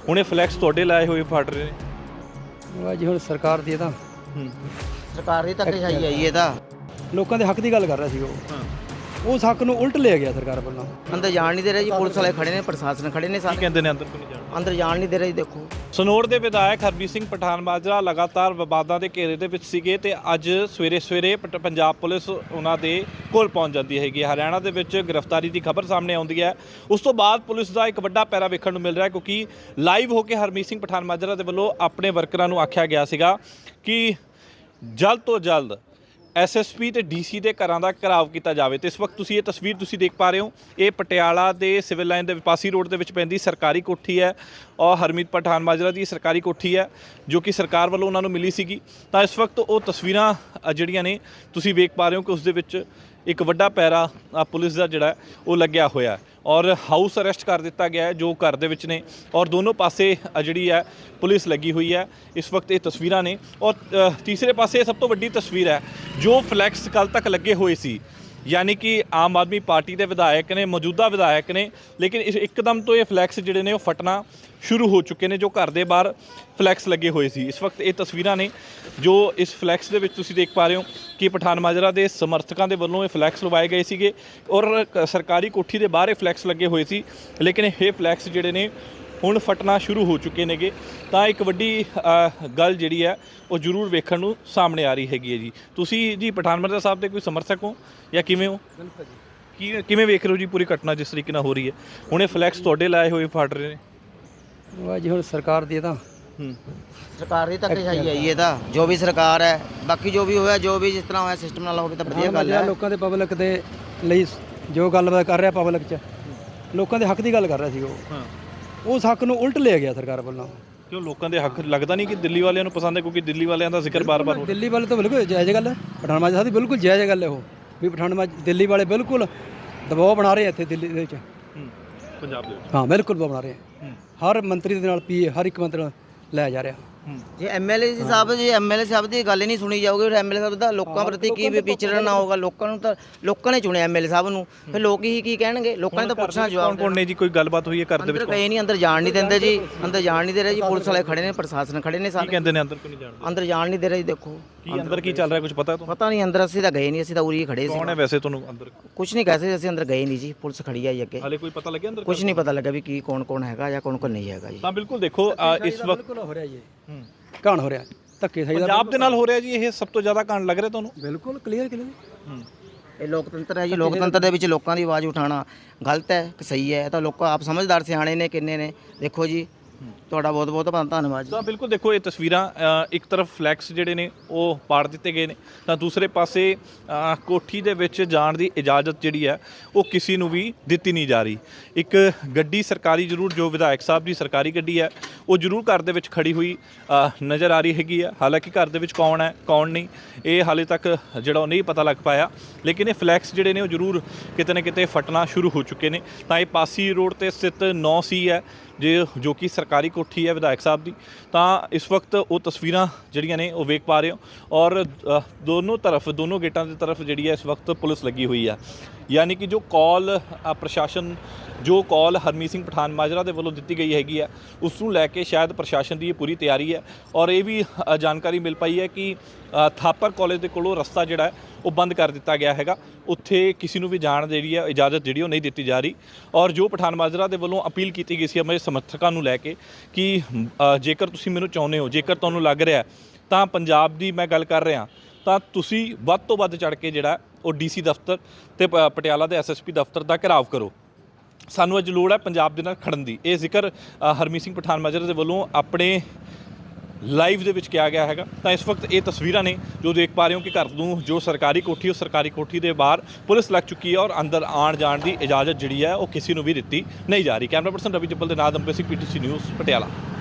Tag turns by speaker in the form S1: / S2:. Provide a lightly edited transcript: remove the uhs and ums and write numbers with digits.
S1: ਹੁਣੇ ਫਲੈਕਸ ਤੁਹਾਡੇ ਲਾਏ ਹੋਏ ਫੜ ਰਹੇ ਨੇ।
S2: ਉਹ ਜੀ ਹੁਣ ਸਰਕਾਰ ਦੀ ਤਾਂ
S3: ਸਰਕਾਰ ਦੀ ਧੱਕੇਸ਼ਾਹੀ ਆਈ ਇਹ ਤਾਂ
S2: ਲੋਕਾਂ ਦੇ ਹੱਕ ਦੀ ਗੱਲ ਕਰ ਰਿਹਾ ਸੀ ਉਹ ਉਸ ਹੱਕ ਨੂੰ ਉਲਟ ਲਿਆ ਗਿਆ ਸਰਕਾਰ ਵੱਲੋਂ।
S3: ਅੰਦਰ ਜਾਣ ਨਹੀਂ ਦੇ ਰਹੇ ਜੀ, ਪੁਲਿਸ ਵਾਲੇ ਖੜੇ ਨੇ, ਪ੍ਰਸ਼ਾਸਨ ਖੜੇ ਨੇ,
S1: ਕੀ
S3: ਸਾਰੇ
S1: ਕਹਿੰਦੇ ਨੇ ਅੰਦਰ ਕਿਉਂ ਨਹੀਂ ਜਾਣਾ?
S3: ਅੰਦਰ ਜਾਣ ਨਹੀਂ ਦੇ ਰਹੇ ਜੀ। ਦੇਖੋ
S1: ਸਨੌਰ ਦੇ ਵਿਧਾਇਕ ਹਰਮੀਤ ਸਿੰਘ ਪਠਾਨ ਮਾਜਰਾ ਲਗਾਤਾਰ ਵਿਵਾਦਾਂ ਦੇ ਘੇਰੇ ਦੇ ਵਿੱਚ ਸੀਗੇ ਤੇ ਅੱਜ ਸਵੇਰੇ ਪੰਜਾਬ ਪੁਲਿਸ ਉਹਨਾਂ ਦੇ ਕੋਲ ਪਹੁੰਚ ਜਾਂਦੀ ਹੈਗੀ। ਹਰਿਆਣਾ ਦੇ ਵਿੱਚ ਗ੍ਰਿਫਤਾਰੀ ਦੀ ਖਬਰ ਸਾਹਮਣੇ ਆਉਂਦੀ ਹੈ। ਉਸ ਤੋਂ ਬਾਅਦ ਪੁਲਿਸ ਦਾ ਇੱਕ ਵੱਡਾ ਪੈਰਾ ਵੇਖਣ ਨੂੰ ਮਿਲ ਰਿਹਾ ਕਿਉਂਕਿ ਲਾਈਵ ਹੋ ਕੇ ਹਰਮੀਤ ਸਿੰਘ ਪਠਾਨ ਮਾਜਰਾ ਦੇ ਵੱਲੋਂ ਆਪਣੇ ਵਰਕਰਾਂ ਨੂੰ ਆਖਿਆ ਗਿਆ ਸੀਗਾ ਕਿ ਜਲਦ ਤੋਂ ਜਲਦ ਐਸਐਸਪੀ ਤੇ ਡੀਸੀ ਦੇ ਘਰਾਂ ਦਾ ਘਿਰਾਵ ਕੀਤਾ ਜਾਵੇ। ਤੇ ਇਸ ਵਕਤ ਤੁਸੀਂ ਇਹ ਤਸਵੀਰ ਤੁਸੀਂ ਦੇਖ ਪਾ ਰਹੇ ਹੋ, ਇਹ ਪਟਿਆਲਾ ਦੇ ਸਿਵਲ ਲਾਈਨ ਦੇ ਵਿਪਾਸੀ ਰੋਡ ਦੇ ਵਿੱਚ ਪੈਂਦੀ ਸਰਕਾਰੀ ਕੋਠੀ ਹੈ ਔਰ ਹਰਮੀਤ ਪਠਾਨ ਮਾਜਰਾ ਦੀ ਸਰਕਾਰੀ ਕੋਠੀ ਹੈ ਜੋ ਕਿ ਸਰਕਾਰ ਵੱਲੋਂ ਉਹਨਾਂ ਨੂੰ ਮਿਲੀ ਸੀਗੀ। ਤਾਂ ਇਸ ਵਕਤ ਉਹ ਤਸਵੀਰਾਂ ਜਿਹੜੀਆਂ ਨੇ ਤੁਸੀਂ ਵੇਖ ਪਾ ਰਹੇ ਹੋ ਕਿ ਉਸ ਦੇ ਵਿੱਚ ਇੱਕ ਵੱਡਾ ਪੈਰਾ ਪੁਲਿਸ ਦਾ ਜਿਹੜਾ ਉਹ ਲੱਗਿਆ ਹੋਇਆ ਔਰ ਹਾਊਸ ਅਰੈਸਟ ਕਰ ਦਿੱਤਾ ਗਿਆ ਹੈ ਜੋ ਘਰ ਦੇ ਵਿੱਚ ਨੇ ਔਰ ਦੋਨੋਂ ਪਾਸੇ ਜਿਹੜੀ ਹੈ ਪੁਲਿਸ ਲੱਗੀ ਹੋਈ ਹੈ। ਇਸ ਵਕਤ ਇਹ ਤਸਵੀਰਾਂ ਨੇ ਔਰ ਤੀਸਰੇ ਪਾਸੇ ਸਭ ਤੋਂ ਵੱਡੀ ਤਸਵੀਰ ਹੈ ਜੋ ਫਲੈਕਸ ਕੱਲ੍ਹ ਤੱਕ ਲੱਗੇ ਹੋਏ ਸੀ, ਯਾਨੀ ਕਿ ਆਮ ਆਦਮੀ ਪਾਰਟੀ ਦੇ ਵਿਧਾਇਕ ਨੇ, ਮੌਜੂਦਾ ਵਿਧਾਇਕ ਨੇ, ਲੇਕਿਨ ਇੱਕਦਮ ਤੋਂ ਇਹ ਫਲੈਕਸ ਜਿਹੜੇ ਨੇ ਉਹ ਫਟਣਾ ਸ਼ੁਰੂ ਹੋ ਚੁੱਕੇ ਨੇ ਜੋ ਘਰ ਦੇ ਬਾਹਰ ਫਲੈਕਸ ਲੱਗੇ ਹੋਏ ਸੀ। ਇਸ ਵਕਤ ਇਹ ਤਸਵੀਰਾਂ ਨੇ ਜੋ ਇਸ ਫਲੈਕਸ ਦੇ ਵਿੱਚ ਤੁਸੀਂ ਦੇਖ ਪਾ ਰਹੇ ਹੋ ਕਿ ਪਠਾਨ ਮਾਜਰਾ ਦੇ ਸਮਰਥਕਾਂ ਦੇ ਵੱਲੋਂ ਇਹ ਫਲੈਕਸ ਲਵਾਏ ਗਏ ਸੀਗੇ ਔਰ ਸਰਕਾਰੀ ਕੋਠੀ ਦੇ ਬਾਹਰ ਇਹ ਫਲੈਕਸ ਲੱਗੇ ਹੋਏ ਸੀ, ਲੇਕਿਨ ਇਹ ਫਲੈਕਸ ਜਿਹੜੇ ਨੇ ਹੁਣ ਫਟਣਾ ਸ਼ੁਰੂ ਹੋ ਚੁੱਕੇ ਨੇਗੇ। ਤਾਂ ਇੱਕ ਵੱਡੀ ਗੱਲ ਜਿਹੜੀ ਹੈ ਉਹ ਜ਼ਰੂਰ ਵੇਖਣ ਨੂੰ ਸਾਹਮਣੇ ਆ ਰਹੀ ਹੈਗੀ ਹੈ ਜੀ। ਤੁਸੀਂ ਜੀ ਪਠਾਨ ਮਾਜਰਾ ਸਾਹਿਬ ਦੇ ਕੋਈ ਸਮਰਥਕ ਹੋ ਜਾਂ ਕਿਵੇਂ ਹੋ? ਕਿਵੇਂ ਵੇਖ ਰਹੇ ਹੋ ਜੀ ਪੂਰੀ ਘਟਨਾ ਜਿਸ ਤਰੀਕੇ ਨਾਲ ਹੋ ਰਹੀ ਹੈ? ਹੁਣੇ ਫਲੈਕਸ ਤੁਹਾਡੇ ਲਾਏ ਹੋਏ ਫੜ ਰਹੇ ਨੇ।
S2: ਉਹ ਜੀ ਹੁਣ ਸਰਕਾਰ ਦੀ ਤਾਂ
S3: ਸਰਕਾਰ ਦੀ ਧੱਕੇਸ਼ਾਹੀ ਆਈ ਇਹ ਤਾਂ, ਜੋ ਵੀ ਸਰਕਾਰ ਹੈ, ਬਾਕੀ ਜੋ ਵੀ ਹੋਇਆ, ਜੋ ਵੀ ਜਿਸ ਤਰ੍ਹਾਂ ਹੋਇਆ ਸਿਸਟਮ ਨਾਲ ਹੋਵੇ ਤਾਂ ਵਧੀਆ ਗੱਲ ਹੈ।
S2: ਲੋਕਾਂ ਦੇ ਪਬਲਿਕ ਦੇ ਲਈ ਜੋ ਗੱਲਬਾਤ ਕਰ ਰਿਹਾ ਪਬਲਿਕ 'ਚ ਲੋਕਾਂ ਦੇ ਹੱਕ ਦੀ ਗੱਲ ਕਰ ਰਿਹਾ ਸੀ ਉਹ ਉਸ ਹੱਕ ਨੂੰ ਉਲਟ ਲਿਆ ਗਿਆ ਸਰਕਾਰ ਵੱਲੋਂ।
S1: ਕਿਉਂ ਲੋਕਾਂ ਦੇ ਹੱਕ ਲੱਗਦਾ ਨਹੀਂ ਕਿ ਦਿੱਲੀ ਵਾਲਿਆਂ ਨੂੰ ਪਸੰਦ ਹੈ ਕਿਉਂਕਿ ਦਿੱਲੀ ਵਾਲਿਆਂ ਦਾ ਜ਼ਿਕਰ ਬਾਰ-ਬਾਰ ਹੋ ਰਿਹਾ।
S2: ਦਿੱਲੀ ਵਾਲੇ ਤਾਂ ਬਿਲਕੁਲ ਜਾਇਜ਼ ਗੱਲ ਹੈ, ਪਠਾਨ ਮਾਜਰਾ ਸਾਹਿਬ ਦੀ ਬਿਲਕੁਲ ਜਾਇਜ਼ ਗੱਲ ਹੈ ਉਹ ਵੀ ਪਠਾਨ ਮਾਜਰਾ ਦਿੱਲੀ ਵਾਲੇ ਬਿਲਕੁਲ ਦਬਾਅ ਬਣਾ ਰਹੇ ਇੱਥੇ ਦਿੱਲੀ ਦੇ ਵਿੱਚ।
S1: ਪੰਜਾਬ ਦੇ ਵਿੱਚ
S2: ਹਾਂ ਬਿਲਕੁਲ ਦਬਾਅ ਬਣਾ ਰਹੇ ਹਰ ਮੰਤਰੀ ਦੇ ਨਾਲ ਪੀਏ ਹਰ ਇੱਕ ਮੰਤਰੀ ਨਾਲ ਲੈ ਜਾ ਰਿਹਾ।
S3: ਜੇ ਐਮਐਲਏ ਸਾਹਿਬ ਦੀ ਗੱਲ ਹੀ ਨਹੀਂ ਸੁਣੀ ਜਾਊਗੀ, ਫਿਰ ਐਮਐਲਏ ਸਾਹਿਬ ਦਾ ਲੋਕਾਂ ਪ੍ਰਤੀ ਕੀ ਵਿਚਰਨਾ ਹੋਊਗਾ? ਲੋਕਾਂ ਨੂੰ ਤਾਂ ਲੋਕਾਂ ਨੇ ਚੁਣਿਆ ਐਮਐਲਏ ਸਾਹਿਬ ਨੂੰ, ਫਿਰ ਲੋਕ ਹੀ ਕੀ ਕਹਿਣਗੇ? ਲੋਕਾਂ ਨੇ ਤਾਂ ਪੁੱਛਣਾ ਜਵਾਬ।
S1: ਕੌਣ ਨੇ ਜੀ? ਕੋਈ ਗੱਲਬਾਤ ਹੋਈ ਹੈ ਘਰ ਦੇ ਵਿੱਚ?
S3: ਅੰਦਰ ਗਏ ਨਹੀਂ, ਅੰਦਰ ਜਾਣ ਨਹੀਂ ਦਿੰਦੇ ਜੀ, ਅੰਦਰ ਜਾਣ ਨਹੀਂ ਦੇ ਰਹੇ ਜੀ, ਪੁਲਿਸ ਵਾਲੇ ਖੜੇ ਨੇ, ਪ੍ਰਸ਼ਾਸਨ ਖੜੇ ਨੇ,
S1: ਕੀ
S3: ਸਾਰੇ
S1: ਕਹਿੰਦੇ ਨੇ ਅੰਦਰ ਕਿਉਂ ਨਹੀਂ ਜਾਣਦੇ?
S3: ਅੰਦਰ ਜਾਣ ਨਹੀਂ ਦੇ ਰਹੇ ਜੀ। ਦੇਖੋ
S1: ਕੀ ਅੰਦਰ ਕੀ ਚੱਲ ਰਿਹਾ ਕੁਝ ਪਤਾ ਤੁਹਾਨੂੰ?
S3: ਪਤਾ ਨਹੀਂ, ਅੰਦਰ ਅਸੀਂ ਤਾਂ ਗਏ ਨਹੀਂ, ਅਸੀਂ ਤਾਂ ਉਰੀ ਖੜੇ ਸੀ।
S1: ਕੌਣ ਹੈ ਵੈਸੇ ਤੁਹਾਨੂੰ ਅੰਦਰ?
S3: ਕੁਝ ਨਹੀਂ ਕਹਿ ਸਕਦੇ, ਅਸੀਂ ਅੰਦਰ ਗਏ ਨਹੀਂ ਜੀ, ਪੁਲਿਸ ਖੜੀ ਆਈ ਅੱਗੇ।
S1: ਹਾਲੇ ਕੋਈ ਪਤਾ ਲੱਗਿਆ ਅੰਦਰ?
S3: ਕੁਝ ਨਹੀਂ ਪਤਾ ਲੱਗਾ ਵੀ ਕੀ ਕੌਣ ਹੈਗਾ ਜਾਂ ਕੌਣ ਨਹੀਂ ਹੈਗਾ ਜੀ।
S1: ਤਾਂ ਬਿਲਕੁਲ ਦੇਖੋ ਇਸ ਵਕਤ
S2: ਬਿਲਕੁਲ ਹੋ ਰਿਹਾ ਜੀ ਕਾਂਡ ਹੋ ਰਿਹਾ ਧੱਕੇ ਸਹੀ ਦਾ
S1: ਪੰਜਾਬ ਦੇ ਨਾਲ ਹੋ ਰਿਹਾ ਜੀ। ਇਹ ਸਭ ਤੋਂ ਜ਼ਿਆਦਾ ਕਾਂਡ ਲੱਗ ਰਿਹਾ ਤੁਹਾਨੂੰ?
S2: ਬਿਲਕੁਲ ਕਲੀਅਰ
S3: ਇਹ ਲੋਕਤੰਤਰ ਹੈ ਜੀ, ਲੋਕਤੰਤਰ ਦੇ ਵਿੱਚ ਲੋਕਾਂ ਦੀ ਆਵਾਜ਼ ਉਠਾਉਣਾ ਗਲਤ ਹੈ ਕਿ ਸਹੀ ਹੈ? ਤਾਂ ਲੋਕ ਆਪ ਸਮਝਦਾਰ ਸਿਆਣੇ ਨੇ ਕਿੰਨੇ ਨੇ। ਦੇਖੋ ਜੀ ਤੁਹਾਡਾ ਬਹੁਤ ਬਹੁਤ ਧੰਨਵਾਦ ਜੀ।
S1: ਤਾਂ ਬਿਲਕੁਲ ਦੇਖੋ ਇਹ ਤਸਵੀਰਾਂ ਇੱਕ ਤਰਫ ਫਲੈਕਸ ਜਿਹੜੇ ਨੇ ਉਹ ਪਾੜ ਦਿੱਤੇ ਗਏ ਨੇ ਤਾਂ ਦੂਸਰੇ ਪਾਸੇ ਕੋਠੀ ਦੇ ਵਿੱਚ ਜਾਣ ਦੀ ਇਜਾਜ਼ਤ ਜਿਹੜੀ ਹੈ ਉਹ ਕਿਸੇ ਨੂੰ ਵੀ ਦਿੱਤੀ ਨਹੀਂ ਜਾ ਰਹੀ। ਇੱਕ ਗੱਡੀ ਸਰਕਾਰੀ ਜ਼ਰੂਰ ਜੋ ਵਿਧਾਇਕ ਸਾਹਿਬ ਦੀ ਸਰਕਾਰੀ ਗੱਡੀ ਹੈ ਉਹ ਜ਼ਰੂਰ ਘਰ ਦੇ ਵਿੱਚ ਖੜੀ ਹੋਈ ਨਜ਼ਰ ਆ ਰਹੀ ਹੈਗੀ ਆ। ਹਾਲਾਂਕਿ ਘਰ ਦੇ ਵਿੱਚ ਕੌਣ ਹੈ ਕੌਣ ਨਹੀਂ ਇਹ ਹਾਲੇ ਤੱਕ ਜਿਹੜਾ ਉਹ ਨਹੀਂ ਪਤਾ ਲੱਗ ਪਾਇਆ, ਲੇਕਿਨ ਇਹ ਫਲੈਕਸ ਜਿਹੜੇ ਨੇ ਉਹ ਜ਼ਰੂਰ ਕਿਤੇ ਨਾ ਕਿਤੇ ਫਟਣਾ ਸ਼ੁਰੂ ਹੋ ਚੁੱਕੇ ਨੇ। ਤਾਂ ਇਹ ਪਾਸੀ ਰੋਡ ਤੇ ਸਥਿਤ 9C ਹੈ ਜੋ ਕਿ ਸਰਕਾਰੀ ਕੋਠੀ ਹੈ ਵਿਧਾਇਕ ਸਾਹਿਬ ਦੀ। ਤਾਂ ਇਸ ਵਕਤ ਉਹ ਤਸਵੀਰਾਂ ਜਿਹੜੀਆਂ ਨੇ ਉਹ ਵੇਖ ਪਾ ਰਹੇ ਹੋ ਔਰ ਦੋਨੋਂ ਗੇਟਾਂ ਦੀ ਤਰਫ ਜਿਹੜੀ ਹੈ ਇਸ ਵਕਤ ਪੁਲਿਸ ਲੱਗੀ ਹੋਈ ਆ। ਯਾਨੀ ਕਿ ਜੋ ਕਾਲ ਪ੍ਰਸ਼ਾਸਨ ਜੋ ਕਾਲ ਹਰਮੀਤ ਸਿੰਘ ਪਠਾਨ ਮਾਜਰਾ ਦੇ ਵੱਲੋਂ ਦਿੱਤੀ ਗਈ ਹੈਗੀ ਆ ਉਸ ਨੂੰ ਲੈ ਕੇ ਸ਼ਾਇਦ ਪ੍ਰਸ਼ਾਸਨ ਦੀ ਇਹ ਪੂਰੀ ਤਿਆਰੀ ਹੈ। ਔਰ ਇਹ ਵੀ ਜਾਣਕਾਰੀ ਮਿਲ ਪਾਈ ਹੈ ਕਿ ਥਾਪਰ ਕਾਲਜ ਦੇ ਕੋਲੋਂ ਰਸਤਾ ਜਿਹੜਾ ਉਹ ਬੰਦ ਕਰ ਦਿੱਤਾ ਗਿਆ ਹੈਗਾ, ਉੱਥੇ ਕਿਸੇ ਨੂੰ ਵੀ ਜਾਣ ਜਿਹੜੀ ਹੈ ਇਜਾਜ਼ਤ ਜਿਹੜੀ ਉਹ ਨਹੀਂ ਦਿੱਤੀ ਜਾ ਰਹੀ। ਔਰ ਜੋ ਪਠਾਨ ਮਾਜਰਾ ਦੇ ਵੱਲੋਂ ਅਪੀਲ ਕੀਤੀ ਗਈ ਸੀ ਆਪਣੇ ਸਮਰਥਕਾਂ ਨੂੰ ਲੈ ਕੇ ਕਿ ਜੇਕਰ ਤੁਸੀਂ ਮੈਨੂੰ ਚਾਹੁੰਦੇ ਹੋ, ਜੇਕਰ ਤੁਹਾਨੂੰ ਲੱਗ ਰਿਹਾ ਤਾਂ ਪੰਜਾਬ ਦੀ ਮੈਂ ਗੱਲ ਕਰ ਰਿਹਾ ਤਾਂ ਤੁਸੀਂ ਵੱਧ ਤੋਂ ਵੱਧ ਚੜ੍ਹ ਕੇ ਜਿਹੜਾ ਉਹ ਡੀਸੀ ਦਫ਼ਤਰ ਤੇ ਪਟਿਆਲਾ ਦੇ ਐਸਐਸਪੀ ਦਫ਼ਤਰ ਦਾ ਘਿਰਾਵ ਕਰੋ। ਸਾਨੂੰ ਅੱਜ ਲੋੜ ਹੈ ਪੰਜਾਬ ਦੇ ਨਾਲ ਖੜਨ ਦੀ। ਇਹ ਜ਼ਿਕਰ ਹਰਮੀਤ ਸਿੰਘ ਪਠਾਨ ਮਾਜਰਾ ਦੇ ਵੱਲੋਂ ਆਪਣੇ ਲਾਈਵ ਦੇ ਵਿੱਚ ਕਿਹਾ ਗਿਆ ਹੈਗਾ। ਤਾਂ ਇਸ ਵਕਤ ਇਹ ਤਸਵੀਰਾਂ ਨੇ ਜੋ ਦੇਖ ਪਾ ਰਹੇ ਹੋ ਕਿ ਘਰ ਨੂੰ ਜੋ ਸਰਕਾਰੀ ਕੋਠੀ ਉਹ ਸਰਕਾਰੀ ਕੋਠੀ ਦੇ ਬਾਹਰ ਪੁਲਿਸ ਲੱਗ ਚੁੱਕੀ ਹੈ ਔਰ ਅੰਦਰ ਆਉਣ ਜਾਣ ਦੀ ਇਜਾਜ਼ਤ ਜਿਹੜੀ ਹੈ ਉਹ ਕਿਸੇ ਨੂੰ ਵੀ ਦਿੱਤੀ ਨਹੀਂ ਜਾ ਰਹੀ। ਕੈਮਰਾ ਪਰਸਨ ਰਵੀ ਜੱਬਲ ਦੇ ਨਾਲ ਅੰਬੇਸਿਕ PTC ਨਿਊਜ਼ ਪਟਿਆਲਾ।